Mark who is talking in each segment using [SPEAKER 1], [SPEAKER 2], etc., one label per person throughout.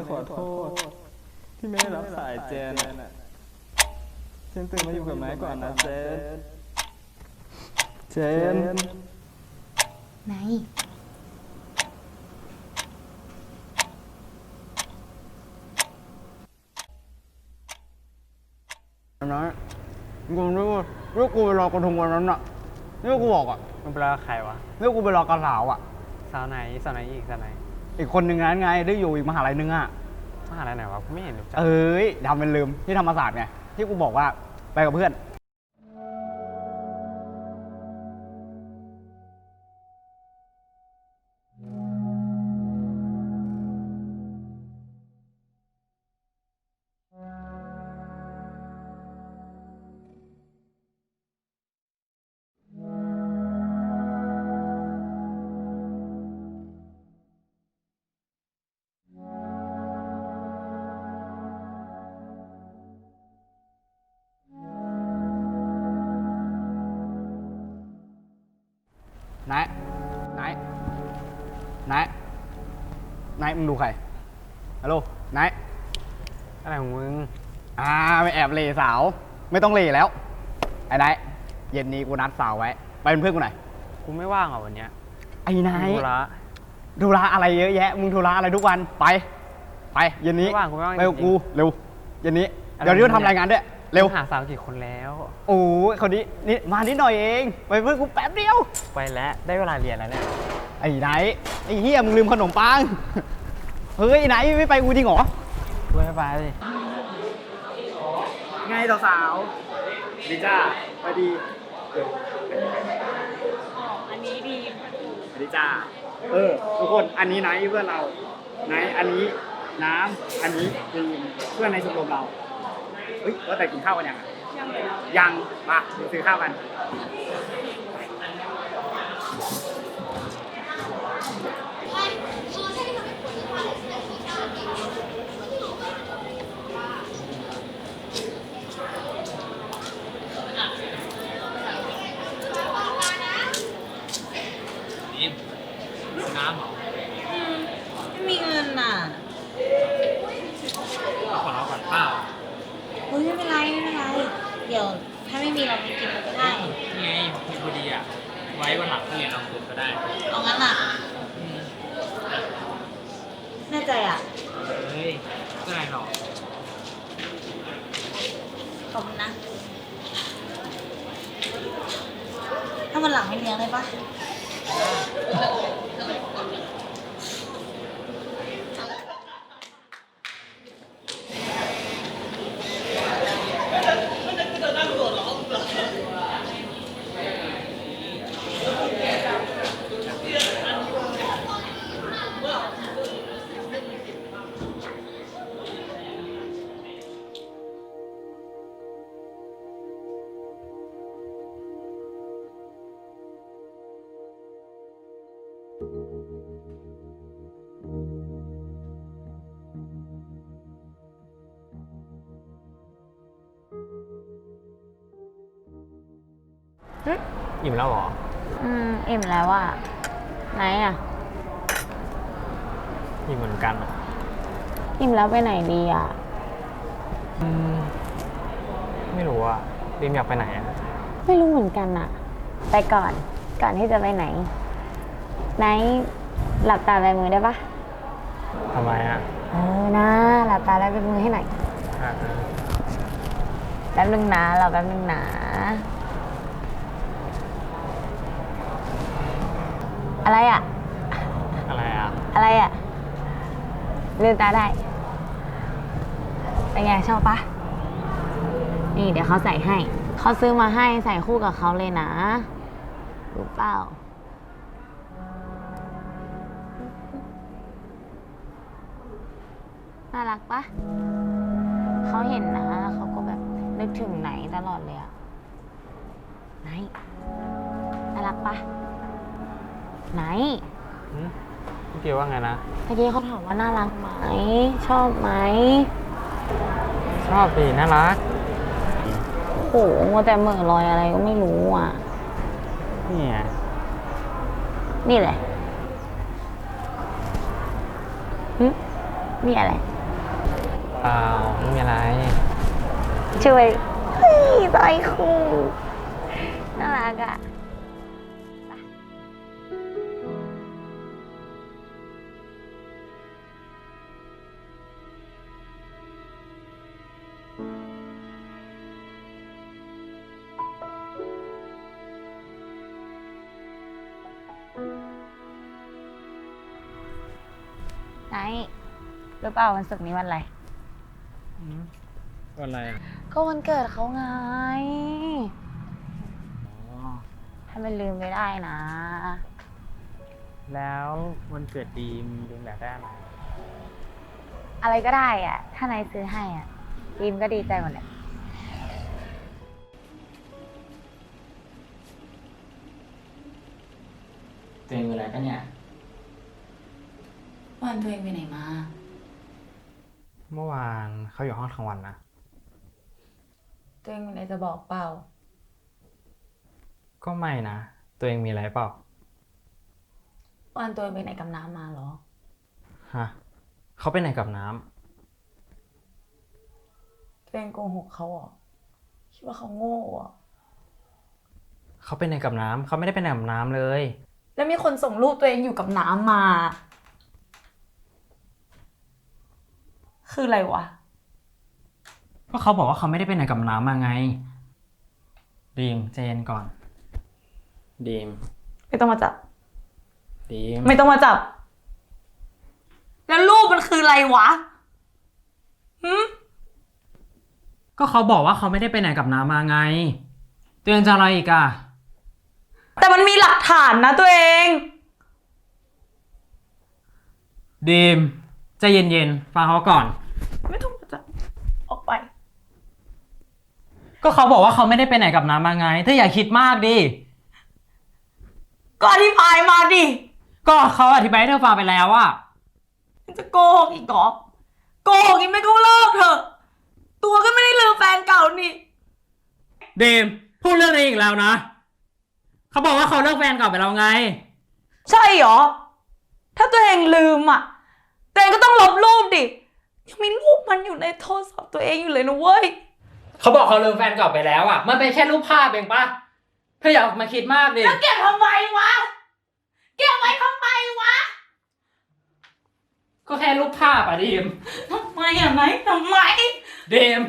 [SPEAKER 1] ขอโทษที่ไม่ได้รับสายเจนเจนตื่นมาอยู่กับไม้ก่อนนะเจนเจน
[SPEAKER 2] ไหน
[SPEAKER 3] นะกูนึกว่ากูไปรอกระทงวันนั้นอ่ะนี่กูบอกอ่ะ
[SPEAKER 4] มันเป็นใครวะ
[SPEAKER 3] นี่กูไปรอกระสาวอ่ะ
[SPEAKER 4] สาวไหนอีกสาวไหน
[SPEAKER 3] อีกคนหนึ่งนั้นไงได้อยู่อีกมหาลัยนึงอ่ะ
[SPEAKER 4] มหาลัยไหนวะกูไม่เห็นรู้จัก
[SPEAKER 3] เอ้ยทำเป็นลืมที่ธรรมศาสตร์ไงที่กูบอกว่าไปกับเพื่อนนายมึงดูใครฮัลโหลนาย
[SPEAKER 4] อะไรของมึง
[SPEAKER 3] ไปแอบเหล่สาวไม่ต้องเหล่แล้วไอ้นายเย็นนี้กูนัดสาวไว้ไปเป็นเพื่อนกูหน่อย
[SPEAKER 4] กูไม่ว่างอ่ะวันเนี้ย
[SPEAKER 3] ไอ้นาย
[SPEAKER 4] ธุระ
[SPEAKER 3] อะไรเยอะแยะมึงธุระอะไรทุกวันไปเย็นนี้
[SPEAKER 4] ไม่ว่างกูไม่ว่าง
[SPEAKER 3] ไปกับกูเร็วเย็นนี้เดี๋ยวนี้ทำรายงานด้วยเร็ว
[SPEAKER 4] หาสาวกี่คนแล้ว
[SPEAKER 3] โอ้ยคนนี้นี่มานิดหน่อยเองไปเพื่อนกูแป๊บเดียว
[SPEAKER 4] ไปแล้วได้เวลาเรียนแล้วเนี่ย
[SPEAKER 3] ไอ้ไหนไอ้เฮียมึงลืมขนมปังเฮ้ยไหนไม่ไปกูจริงเหรอ
[SPEAKER 4] กูไม่ไป
[SPEAKER 3] ไงสาวดีจ้าไปดี
[SPEAKER 2] อันนี้ดี
[SPEAKER 3] ดีจ้าทุกคนอันนี้ไหนเพื่อนเราไหนอันนี้น้ำอันนี้ดีเพื่อนในชมรมเราเฮ้ยว่าแต่กินข้าวกันยังมาเดี๋ยวซื้อข้าวกัน
[SPEAKER 4] น้ำเหรอ
[SPEAKER 2] ไม่มีเงินน่ะ
[SPEAKER 4] ขอเราก่อนเปล่า
[SPEAKER 2] เฮ้ยไม่เป็นไรเดี๋ยวถ้าไม่มีเราไปกินก็ได้
[SPEAKER 4] นี่ไงมีพอดีอ่ะไว้วันหลังถ้าเรียนเราคุยก็ได้
[SPEAKER 2] เอางั้นอ่ะแน่ใจอ่ะ
[SPEAKER 4] เฮ้ยก็ได้หรอก
[SPEAKER 2] ขอบคุณนะถ้าวันหลังไม่เลี้ยงได้ปะ
[SPEAKER 4] อิ่มแล้วเหรอ
[SPEAKER 2] อิ่มแล้วอ่ะไหนอ่ะ
[SPEAKER 4] อิ่มเหมือนกันอ่ะ
[SPEAKER 2] อิ่มแล้วไปไหนดีอ่ะ
[SPEAKER 4] ไม่รู้อ่ะดิมอยากไปไหนอ่ะ
[SPEAKER 2] ไม่รู้เหมือนกันอ่ะไปก่อนที่จะไปไหนหลับตาลายมือได้ปะ
[SPEAKER 4] ทำไมอ่ะ
[SPEAKER 2] นะหลับตาลายมือให้หน่อยแป๊บนึงนะเราแป๊บนึงนะอะไรอ่ะลืมตาได้เป็นไงชอบปะนี่เดี๋ยวเขาใส่ให้เขาซื้อมาให้ใส่คู่กับเขาเลยนะรู้เปล่าน่ารักปะเขาเห็นนะเขาก็แบบนึกถึงไหนตลอดเลยอะไหนน่ารักปะไหน
[SPEAKER 4] พี่เกียวว่าไงนะ
[SPEAKER 2] เมื่อกี้เขาถามว่าน่ารักไหมชอบไหม
[SPEAKER 4] ชอบดีน่ารัก
[SPEAKER 2] โอ้โหมัวแต่เหม่อลอยอะไรก็ไม่รู้อ่ะ
[SPEAKER 4] นี่
[SPEAKER 2] แหละนี่อะไร
[SPEAKER 5] เปล่าไม่มีอะไร
[SPEAKER 2] ช่วยเฮ้ยใจคู่น่ารักอ่ะ ไหนรู้เปล่าวันศุกร์นี้วันอะไร
[SPEAKER 5] วันอะไรอ่ะ
[SPEAKER 2] ก็วันเกิดเขาไง
[SPEAKER 5] อ๋อ
[SPEAKER 2] ถ้ามันลืมไม่ได้นะ
[SPEAKER 5] แล้ววันเกิดดีมอยากได้อะไร
[SPEAKER 2] อะไรก็ได้อ่ะ ถ้านายซื้อให้อ่ะดีมก็ดีใจหมดแหละ
[SPEAKER 5] ตัวเองอะไรกันเนี่ย
[SPEAKER 2] วันตัวเองไปไหนมา
[SPEAKER 5] เมื่อวานเขาอยู่ห้องทั้งวันนะ
[SPEAKER 2] ตัวเองมีอะไรจะบอกเปล่า
[SPEAKER 5] ก็ไม่นะ ตัวเองมีอะไรเปล่า
[SPEAKER 2] วันตัวเองไปไหนกับน้ำมาเหรอ
[SPEAKER 5] ฮะเขาไปไหนกับน้
[SPEAKER 2] ตัวเองโกหกเขาเหรอ คิดว่าเขาโง่เหรอ
[SPEAKER 5] ำเขาไปไหนกับน้ำเขาไม่ได้ไปไหนกับน้ำเลย
[SPEAKER 2] แล้วมีคนส่งรูปตัวเองอยู่กับน้ำมา คืออะไรวะ
[SPEAKER 5] ก็เขาบอกว่าเขาไม่ได้ไปไหนกับน้ำมาไง ดีมใจเย็นก่อน ดีม
[SPEAKER 2] ไม่ต้องมาจับ
[SPEAKER 5] ดีม
[SPEAKER 2] ไม่ต้องมาจับ แล้วรูปมันคืออะไรวะหืม
[SPEAKER 5] ก็เขาบอกว่าเขาไม่ได้ไปไหนกับน้ำมาไง ตัวเองจะอะไรอีกอะ
[SPEAKER 2] แต่มันมีหลักฐานนะตัวเอง
[SPEAKER 5] ดีมใจเย็นๆฟังเขาก่อน
[SPEAKER 2] ไม่ต้องมาจับ ออกไป
[SPEAKER 5] ก็เขาบอกว่าเขาไม่ได้ไปไหนกับน้ำมาไงเธออย่าคิดมากดิ
[SPEAKER 2] ก็อธิบายมาดิ
[SPEAKER 5] ก็เขาอธิบายให้เธอฟังไปแล้วอะ
[SPEAKER 2] มันจะโกหกอีกเหรอ โกหกอีกไม่ก็เลิกเถอะ ตัวก็ไม่ได้ลืมแฟนเก่านี่
[SPEAKER 5] ดีมพูดเรื่องนี้อีกแล้วนะเขาบอกว่าเขาเลิกแฟนเก่าไปแล้วไง
[SPEAKER 2] ใช่เหรอ ถ้าตัวเองลืมอ่ะ ตัวเองก็ต้องลบรูปดิ ยังมีรูปมันอยู่ในโทรศัพท์ตัวเองอยู่เลยนะเว้ย
[SPEAKER 5] เขาบอกเขาเลิกแฟนเก่าไปแล้วอะมันเป็นแค่รูปภาพเองปะเธออย่ามาคิดมากดิ
[SPEAKER 2] แล้วเก็บทำไมวะ เก็บไว้ทำไมวะ
[SPEAKER 5] ก็แค่รูปภาพอะดีม
[SPEAKER 2] ทำไมอ่ะไหมทำไม
[SPEAKER 5] ดีม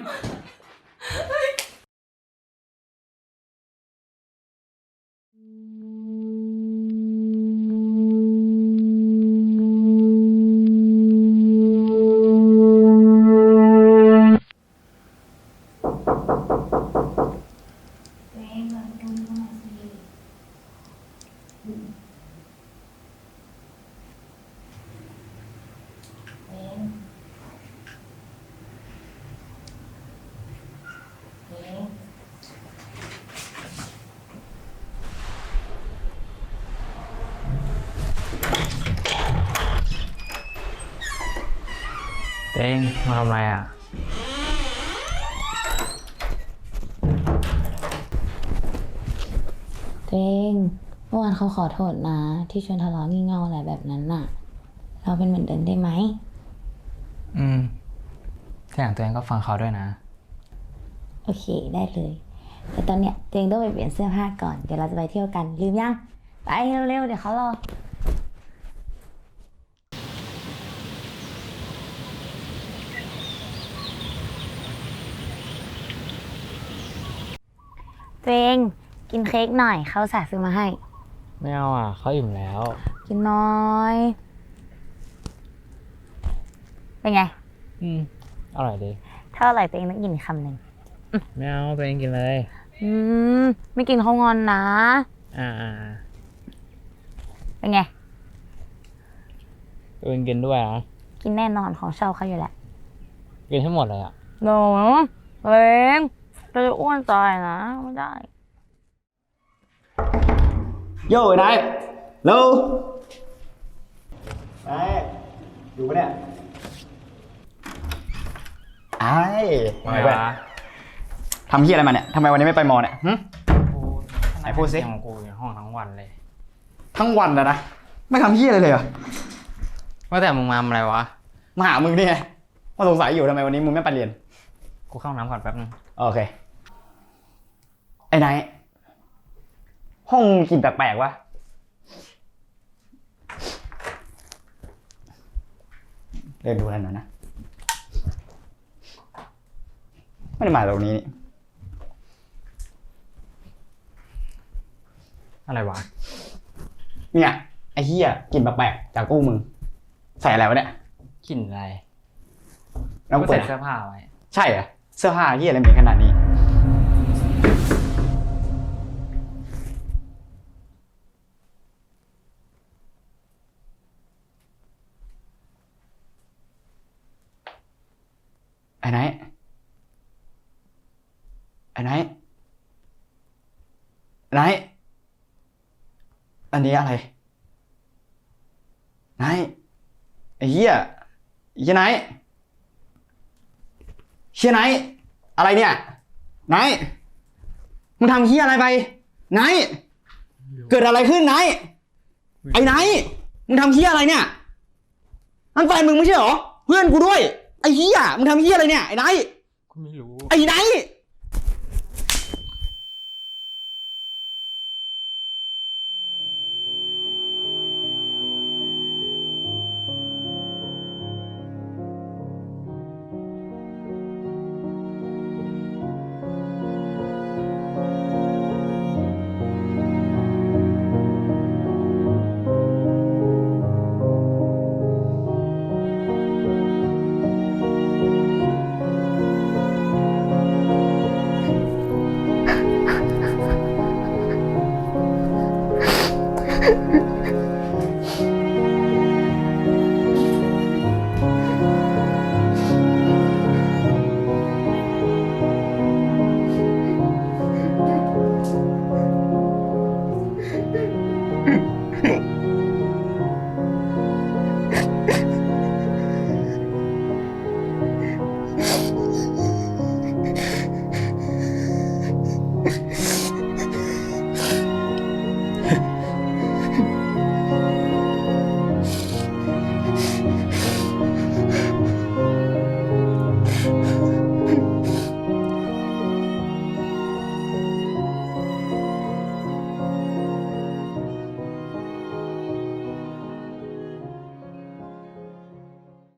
[SPEAKER 5] เต้งมาทำอะไรอ่ะ
[SPEAKER 2] ตัวเองเมื่อวานเขาขอโทษนะ ที่ชวนทะเลาะงี่เง่าอะไรแบบนั้นน่ะ เราเป็นเหมือนเดิมได้ไหม
[SPEAKER 5] ทีหลังตัวเองก็ฟังเขาด้วยนะ
[SPEAKER 2] โอเคได้เลย แต่ตอนเนี้ยตัวเองต้องไปเปลี่ยนเสื้อผ้าก่อน เดี๋ยวเราจะไปเที่ยวกัน ลืมยัง ไปเร็วๆ เดี๋ยวเขารอ ตัวเองกินเค้กหน่อย เขาอุตส่าห์ซื้อมาให้
[SPEAKER 5] ไม่เอาอ่ะเขาอิ่มแล้ว
[SPEAKER 2] กินน้อย เป็นไง
[SPEAKER 5] อร่อยดี
[SPEAKER 2] ถ้าอร่อยตัวเองต้องกินอีกคำหนึ่ง
[SPEAKER 5] ไม่เอาตัวเองกินเลย
[SPEAKER 2] ไม่กินเขางอนนะ
[SPEAKER 5] อ่า
[SPEAKER 2] เป็นไง
[SPEAKER 5] ตัวเองกินด้วยนะ
[SPEAKER 2] กินแน่นอนของชอบเขาอยู่แหละ
[SPEAKER 5] กินให้หมดเลยอ่ะ
[SPEAKER 2] หนูตัวเองเราจะอ้วนตายนะ ไม่ได้
[SPEAKER 3] โย่นายเร็วนายอยู่ปะเนี่ยไอ้
[SPEAKER 5] ไม่วะ
[SPEAKER 3] ทำเฮียอะไรมาเนี่ยทำไมวันนี้ไม่ไปมอเนี่ยหึ ไหนพูดสิ
[SPEAKER 5] ของกูอยู่ห้องทั้งวันเลย
[SPEAKER 3] ทั้งวันนะไม่ทำเฮียอะไรเลยเหรอ
[SPEAKER 5] ว่าแต่มึงมาทำอะไรวะ
[SPEAKER 3] มาหามึงนี่ไงว่าสงสัยอยู่ทำไมวันนี้มึงไม่ไปเรียน
[SPEAKER 5] กูเข้าห้องน้ำก่อนแป๊บนึง
[SPEAKER 3] โอเค ไอ้ไนท์ห้องมึงกลิ่นแปลกๆวะเดินดูแล้วหน่อยนะ ไม่ได้มาตรงนี้นี่
[SPEAKER 5] อะไรวะ
[SPEAKER 3] เนี่ย ไอ้เหี้ยกลิ่นแปลกๆจากตู้มึง ใส่อะไรวะเนี่ย
[SPEAKER 5] กลิ่นอะไร
[SPEAKER 3] แล้ว
[SPEAKER 5] กู
[SPEAKER 3] เปิ
[SPEAKER 5] ใส่
[SPEAKER 3] ด
[SPEAKER 5] เสื้อผ้าไว้
[SPEAKER 3] ใช่เหรอเสื้อผ้าเหี้ยอะไรเหม็นขนาดนี้ ไอ้ไนท์ไอ้ไนท์ไนท์อันนี้อะไรไนท์ไอ้เหี้ยไอ้ไนท์เชี่ยไนท์อะไรเนี่ยไนท์มึงทำเหี้ยอะไรไปไนท์เกิดอะไรขึ้นไนท์ไอ้ไนท์มึงทำเหี้ยอะไรเนี่ยนั่นแฟนมึงไม่ใช่เหรอเพื่อนกูด้วยไอ้เหี้ยมึงทำเหี้ยอะไรเนี่ยไอ้ไนท์
[SPEAKER 5] กูไม่รู้
[SPEAKER 3] ไอ้ไนท์